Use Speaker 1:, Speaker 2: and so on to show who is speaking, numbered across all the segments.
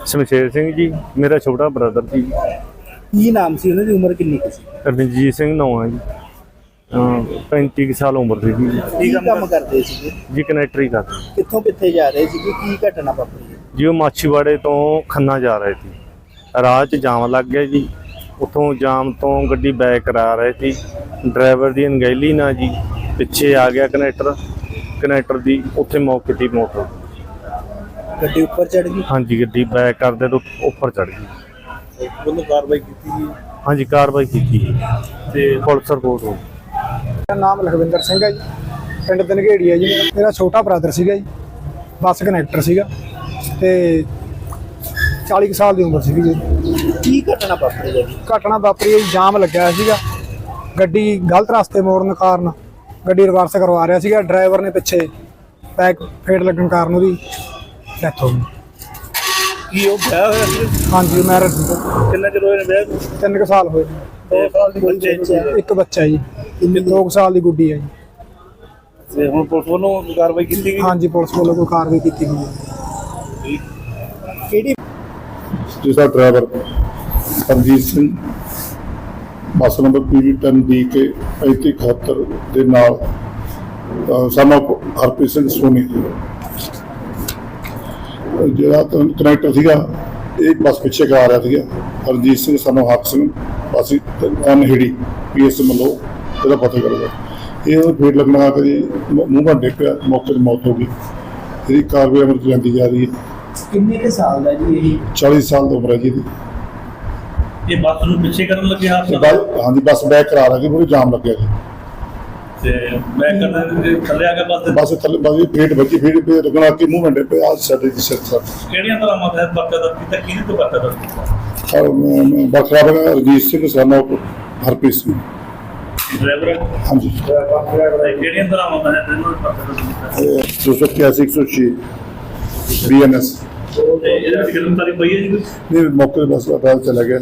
Speaker 1: ਸ਼ਮਸ਼ੇਰ ਸਿੰਘ ਜੀ ਮੇਰਾ ਛੋਟਾ ਬ੍ਰਦਰ ਜੀ।
Speaker 2: ਕੀ ਨਾਮ ਸੀ ਉਹਨਾਂ ਦੀ, ਉਮਰ ਕਿੰਨੀ ਕੁ ਸੀ?
Speaker 1: ਰਣਜੀਤ ਸਿੰਘ ਨਾਂ ਹੈ ਜੀ। 35 ਸਾਲ ਉਮਰ ਸੀ ਜੀ।
Speaker 2: ਕੀ ਕੰਮ ਕਰਦੇ ਸੀਗੇ
Speaker 1: ਜੀ ਕਨੈਕਟਰੀ ਕਰਦੇ
Speaker 2: ਕਿੱਥੋਂ ਕਿੱਥੇ ਜਾ ਰਹੇ ਸੀਗੇ, ਕੀ ਘਟਨਾ ਵਾਪਰੀ ਹੈ?
Speaker 1: ਜੀ। ਉਹ ਮਾਛੀਵਾੜੇ ਤੋਂ ਖੰਨਾ ਜਾ ਰਹੇ ਸੀ, ਰਾਹ 'ਚ ਜਾਮ ਲੱਗ ਗਿਆ ਜੀ। ਉੱਥੋਂ ਜਾਮ ਤੋਂ ਗੱਡੀ ਬੈਕ ਕਰਾ ਰਹੇ ਸੀ, ਡਰਾਈਵਰ ਦੀ ਅਣਗਹਿਲੀ ਨਾਲ ਜੀ ਪਿੱਛੇ ਆ ਗਿਆ ਕਨੈਕਟਰ ਦੀ ਉੱਥੇ ਮੌਕੇ ਦੀ ਮੋਟਰ
Speaker 2: ਗੱਡੀ ਉੱਪਰ ਚੜ ਗਈ?
Speaker 1: ਹਾਂਜੀ, ਗੱਡੀ ਬੈਕ ਕਰਦੇ ਤੋਂ ਉੱਪਰ ਚੜ ਗਈ।
Speaker 2: ਉਹਨੂੰ ਕਾਰਵਾਈ ਕੀਤੀ ਜੀ?
Speaker 1: ਹਾਂਜੀ, ਕਾਰਵਾਈ ਕੀਤੀ ਜੀ ਤੇ ਪੁਲਿਸ ਰਿਪੋਰਟ ਹੋ ਗਈ।
Speaker 3: ਮੇਰਾ ਨਾਮ ਲਖਵਿੰਦਰ ਸਿੰਘ ਹੈ ਜੀ, ਪਿੰਡ ਦਨਗੇੜੀ ਹੈ ਜੀ। ਮੇਰਾ ਛੋਟਾ ਬ੍ਰਦਰ ਸੀਗਾ ਜੀ, ਬੱਸ ਕਨੈਕਟਰ ਸੀਗਾ ਤੇ 40 ਸਾਲ ਦੀ ਉਮਰ ਸੀਗੀ ਜੀ।
Speaker 2: ਕੀ ਘਟਨਾ ਵਾਪਰੀ ਹੈ ਜੀ?
Speaker 3: ਘਟਨਾ ਵਾਪਰੀ ਹੈ ਜੀ, ਜਾਮ ਲੱਗਿਆ ਹੋਇਆ ਸੀਗਾ, ਗੱਡੀ ਗਲਤ ਰਸਤੇ ਮੋੜਨ ਕਾਰਨ ਗੱਡੀ ਰਿਵਰਸ ਕਰਵਾ ਰਿਹਾ ਸੀਗਾ, ਡਰਾਈਵਰ ਨੇ ਪਿੱਛੇ ਬੈਕ ਫੇਟ ਲੱਗਣ ਕਾਰਨ ਉਹਦੀ ਡੈਥ ਹੋ ਗਈ।
Speaker 2: ਕੀ ਉਹ ਵਿਆਹ ਹੋਇਆ ਸੀ?
Speaker 3: ਹਾਂਜੀ, ਮੈਰਿਜ
Speaker 2: ਕਿੰਨਾ ਚਿਰ ਹੋਇਆ ਵਿਆਹ ਨੂੰ?
Speaker 3: 3 ਸਾਲ ਹੋਏ।
Speaker 2: 2 ਸਾਲ ਦੀ ਬੱਚੇ?
Speaker 3: ਇੱਕ ਬੱਚਾ ਹੈ ਜੀ, 2 ਸਾਲ ਦੀ ਗੁੱਡੀ ਹੈ ਜੀ।
Speaker 2: ਤੇ ਹੁਣ ਪੁਲਿਸ ਵੱਲੋਂ ਕਾਰਵਾਈ ਕੀਤੀ ਗਈ?
Speaker 3: ਹਾਂਜੀ, ਪੁਲਿਸ ਵੱਲੋਂ ਕੋਈ ਕਾਰਵਾਈ ਕੀਤੀ ਗਈ ਹੈ।
Speaker 2: ਕਿਹੜੀ?
Speaker 4: ਜਿਸਦਾ driver Ranjit Singh bus number PV10DK 3571 ਦੇ ਨਾਲ ਸਾਨੂੰ ਹਰਪ੍ਰੀਤ ਸਿੰਘ ਸੋਨੀ ਜਿਹੜਾ ਕਨੈਕਟਰ ਸੀਗਾ, ਇਹ ਬੱਸ ਪਿੱਛੇ ਕਰਾ ਰਿਹਾ ਸੀਗਾ। ਰਣਜੀਤ ਸਿੰਘ ਸਾਨੂੰ ਹੱਕ ਸਿੰਘ ਅਸੀਂ ਅਨਹਿੜੀ PS ਮੱਲੋ ਇਹਦਾ ਪਤਾ ਕਰਦਾ, ਇਹ ਫੇਟ ਲੱਗਣਾ ਕਰੀ ਮੂੰਹ ਭੰਡੇ ਪਿਆ, ਮੌਕੇ 'ਤੇ ਮੌਤ ਹੋ ਗਈ। ਇਹਦੀ ਕਾਰਵਾਈ ਅਮਲ 'ਚ ਜਾਂਦੀ ਜਾ ਰਹੀ ਹੈ।
Speaker 2: ਕਿੰਨੇ ਕੁ ਸਾਲ ਦਾ ਜੀ ਇਹ?
Speaker 4: 40 ਸਾਲ ਦੀ ਉਮਰ ਹੈ ਜੀ ਇਹਦੀ।
Speaker 5: ਇਹ ਬੱਸ ਨੂੰ ਪਿੱਛੇ ਕਰਨ ਲੱਗੇ
Speaker 4: ਹਾਂਜੀ, ਬੱਸ ਬੈਕ ਕਰਾ ਰਹੀ, ਪੂਰੀ ਜਾਮ ਲੱਗਿਆ ਜੀ
Speaker 5: ਤੇ ਮੈਂ ਕਰਨ ਥੱਲੇ ਆ ਕੇ
Speaker 4: ਬੱਸ ਥੱਲੇ ਬੱਸ ਫੇਟ ਵੱਜੀ, ਫੇਟ ਪੇ ਰੁਕਣਾ ਕਿ ਮੂਵਮੈਂਟ ਪੇ ਆ ਸਾਡੇ ਦੀ ਸਿਰ ਸਰ
Speaker 5: ਕਿਹੜੀਆਂ ਤਰ੍ਹਾਂ ਮਤਲਬ ਬੱਕਾ ਦਾ ਕੀਤਾ ਕਿਹਦੇ ਤੋਂ ਬੱਕਾ ਦਾ
Speaker 4: ਔਰ ਬਖਰਾ ਬਗਾ ਰਣਜੀਤ ਸਿੰਘ ਸਾਨੂੰ ਹਰਪ੍ਰੀਤ ਸਿੰਘ
Speaker 5: ਡਰਾਈਵਰ?
Speaker 4: ਹਾਂਜੀ,
Speaker 5: ਕਿਹੜੀਆਂ ਤਰ੍ਹਾਂ ਮਤਲਬ ਇਹਨੂੰ ਬੱਕਾ ਦਾ ਕੀਤਾ?
Speaker 4: 281 106 BNS
Speaker 5: ਤੇ ਇਹਦੇ ਵਿੱਚ ਗ੍ਰਿਫਤਾਰੀ ਪਈ ਹੈ ਜੀ ਕੋਈ?
Speaker 4: ਨਹੀਂ, ਮੌਕੇ 'ਤੇ ਬੱਸ ਦਾ ਚਲਾ ਗਿਆ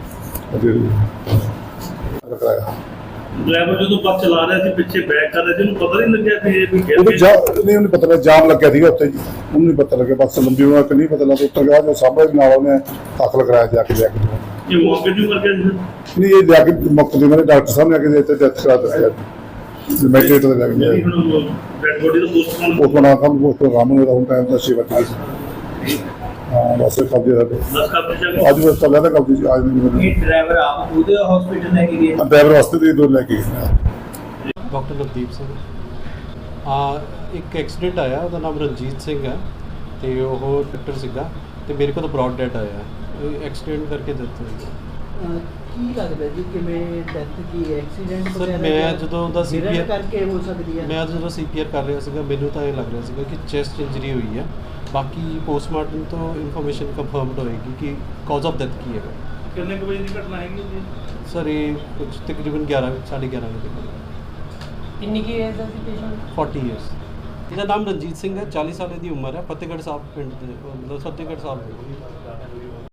Speaker 4: ਰੁਕਾਇਆ।
Speaker 5: ਡਰਾਈਵਰ ਜਦੋਂ ਬੱਸ ਚਲਾ ਰਿਹਾ ਸੀ ਪਿੱਛੇ ਬੈਕ ਕਰ ਰਿਹਾ ਸੀ, ਉਹਨੂੰ ਪਤਾ ਨਹੀਂ ਲੱਗਿਆ ਕਿ ਇਹ ਵੀ
Speaker 4: ਉਹਨੂੰ ਪਤਾ ਲੱਗਾ ਜਾਮ ਲੱਗਿਆ ਸੀਗਾ ਉੱਥੇ ਜੀ, ਉਹਨੂੰ ਨਹੀਂ ਪਤਾ ਲੱਗਿਆ ਬੱਸ ਲੰਬੀ ਹੋਣਾ ਕਿ ਨਹੀਂ ਪਤਾ ਲੱਗਾ। ਉੱਤਰ ਗਿਆ ਜੋ ਸਾਹਮਣੇ ਨਾਲ ਉਹਨੇ ਦਾਖਲ ਕਰਾਇਆ ਜਾ ਕੇ
Speaker 5: ਇਹ ਮੌਕੇ ਜੂ ਕਰਕੇ
Speaker 4: ਨਹੀਂ, ਇਹ ਜਾ ਕੇ ਮੁਕਤ ਦੇ ਮੇਰੇ ਡਾਕਟਰ ਸਾਹਿਬ ਨੇ ਆ ਕੇ ਇੱਥੇ ਡੈਥ ਕਰਾ ਦਿੱਤੀ। ਮੈਟਰੇਟ ਦੇ ਲੱਗ ਗਿਆ
Speaker 5: ਡੈਡ ਬੋਡੀ ਦਾ ਪੋਸਟਮਾਰਟਮ
Speaker 4: ਉਸ ਬਣਾ ਕੰਮ ਰਾਮ ਨੂੰ ਰਾਉਂ ਟਾਈਮ ਦਾ ਸੇਵਾ ਕੀਤੀ। ਹਾਂ, ਬਸ ਕਬਜ਼ੇ ਦਾ
Speaker 5: ਦੱਸ ਕਰ
Speaker 4: ਅੱਜ ਬਸ ਚੱਲਿਆ ਤਾਂ ਕਬਜ਼ੇ ਚ ਅੱਜ ਨਹੀਂ।
Speaker 2: ਇਹ ਡਰਾਈਵਰ ਆਪ ਉਹਦੇ ਹਸਪੀਟਲ ਲੈ ਕੇ ਗਏ?
Speaker 4: ਡਰਾਈਵਰ ਵਾਸਤੇ ਦੇ ਦੋ ਲੈ ਕੇ ਗਏ।
Speaker 6: ਡਾਕਟਰ ਨਵਦੀਪ ਸਿੰਘ। ਇੱਕ ਐਕਸੀਡੈਂਟ ਆਇਆ, ਉਹਦਾ ਨਾਮ ਰਣਜੀਤ ਸਿੰਘ ਹੈ ਤੇ ਉਹ ਡਾਕਟਰ ਸੀਗਾ ਤੇ ਮੇਰੇ ਕੋਲ ਬ੍ਰੌਡ ਡੈਟ ਆਇਆ। ਐਕਸੀਡੈਂਟ ਕਰਕੇ ਡੈਥ ਹੋਈ।
Speaker 2: ਕੀ ਲੱਗਦਾ ਜੀ ਕਿਵੇਂ ਡੈਥ ਕੀ ਐਕਸੀਡੈਂਟ
Speaker 6: ਸਰ, ਮੈਂ ਜਦੋਂ ਉਹਦਾ CPR
Speaker 2: ਕਰਕੇ ਹੋ ਸਕਦੀ ਹੈ?
Speaker 6: ਮੈਂ ਜਦੋਂ CPR ਕਰ ਰਿਹਾ ਸੀਗਾ, ਮੈਨੂੰ ਤਾਂ ਇਹ ਲੱਗ ਰਿਹਾ ਸੀਗਾ ਕਿ ਚੈਸਟ ਇੰਜਰੀ ਹੋਈ ਹੈ। ਬਾਕੀ ਪੋਸਟਮਾਰਟਮ ਤੋਂ ਇਨਫੋਰਮੇਸ਼ਨ ਕੰਫਰਮਡ ਹੋਏਗੀ ਕਿ ਕਾਜ਼ ਆਫ ਡੈਥ ਕੀ ਹੈਗਾ।
Speaker 5: ਕਿੰਨੇ ਕੁ ਵਜੇ ਦੀ ਘਟਨਾ ਹੈਗੀ ਜੀ?
Speaker 6: ਸਰ, ਇਹ ਕੁਝ ਤਕਰੀਬਨ 11:30 ਵਜੇ।
Speaker 2: ਕਿੰਨੀ ਕੀ ਏਜ ਦਾ ਸੀ ਪੇਸ਼ੈਂਟ?
Speaker 6: 40 ਇਅਰਸ। ਇਹਦਾ ਨਾਮ ਰਣਜੀਤ ਸਿੰਘ ਹੈ, 40 ਸਾਲ ਦੀ ਉਮਰ ਹੈ, ਫਤਿਹਗੜ੍ਹ ਸਾਹਿਬ ਪਿੰਡ ਦੇ, ਮਤਲਬ ਫਤਿਹਗੜ੍ਹ ਸਾਹਿਬ ਦੇ।